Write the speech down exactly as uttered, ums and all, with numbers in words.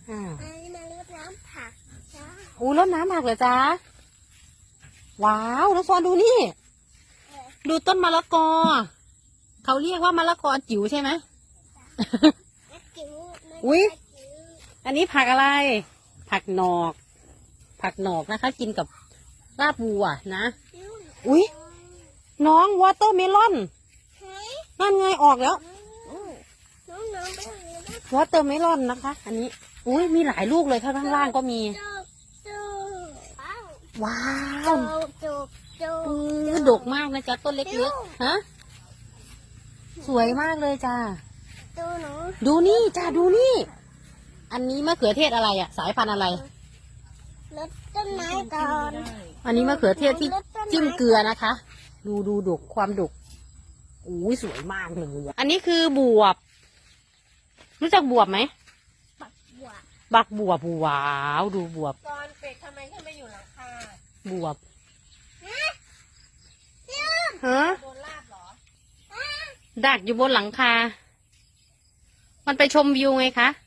อ่าอันนี้มารดน้ำผักจ้าอู้รดน้ำผักเหรอจ๊ะว้าวน้องฟอนดูนี่ ดูต้นมะละกอเขาเรียกว่ามะละกอจิ๋วใช่ไหมจิ๋วอุ๊ย อันนี้ผักอะไร ผักหนอก ผักหนอกนะคะ กินกับลาบวัวนะ อุ๊ย น้องวอเตอร์เมลอนนั่นไงออกแล้วน้องน้องไปไหนนะวอเตอร์เมลอนนะคะ อันนี้ อุ้ยมีหลายลูกเลยข้างล่างก็มีจุกจุกว้าวว้าวจุกจุกจุกอือดกมากนะจ๊ะต้นเล็กๆฮะสวยมากเลยจ้าดูหนูดูนี่จ้าดูนี่ อันนี้มะเขือเทศอะไรอะสายพันธุ์อะไรรดต้นไม้ก่อนอันนี้มะเขือเทศที่จิ้มเกลือนะคะ ดูดูดกความดกอุ้ยสวยมากเลยอะอันนี้คือบวบ รู้จักบวบไหมปักบัวบักบวบว้าวดูบวบตอนเป็ดทำไมขึ้นมาอยู่หลังคาบวบเชื่อมฮะโดนลาบเหรอดักอยู่บนหลังคา มันไปชมวิวไงคะ